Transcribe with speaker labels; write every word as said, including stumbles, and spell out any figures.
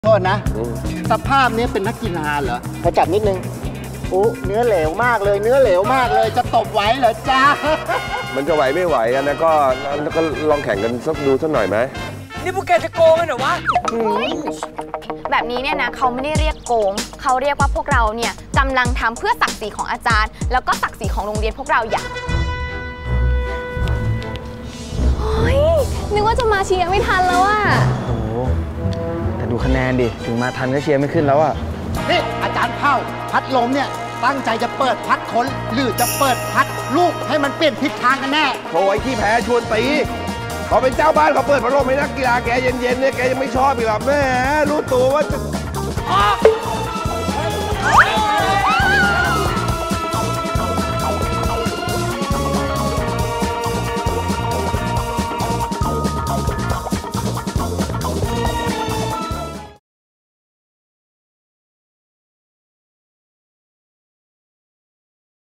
Speaker 1: โทษนะสภาพนี้เป็นนักกีฬาเหรอพอจับนิดนึงโอ้เนื้อเหลวมากเลยเนื้อเหลวมากเลยจะตบไหวเหรอจ้า
Speaker 2: มันจะไหวไม่ไหวกันนะก็ก็ลองแข่งกันสักดูสักหน่อยไหม
Speaker 3: นี่พวกแกจะโกงกันเหรอวะ
Speaker 4: แบบนี้เนี่ยนะเขาไม่ได้เรียกโกงเขาเรียกว่าพวกเราเนี่ยกำลังทำเพื่อศักดิ์ศรีของอาจารย์แล้วก็ศักดิ์ศรีของโรงเรียนพวกเราอย่างเฮ้ยนึกว่าจะมาเชียร์ไม่ทันแล้วอะ
Speaker 5: โอ้โหแต่ดูคะแนนดิถึงมาทันก็เชียร์ไม่ขึ้นแล้วอะ
Speaker 1: นี่อาจารย์เผ่าพัดลมเนี่ยตั้งใจจะเปิดพัดคนหรือจะเปิดพัดลูกให้มันเปลี่ยนทิศทางกันแน่
Speaker 2: โอ้ยที่แพ้ชวนตีเขาเป็นเจ้าบ้านเขาเปิดพัดลมให้นักกีฬาแกเย็นๆเนี่ยแกยังไม่ชอบอีกหรอแม่รู้ตัวว่าจะ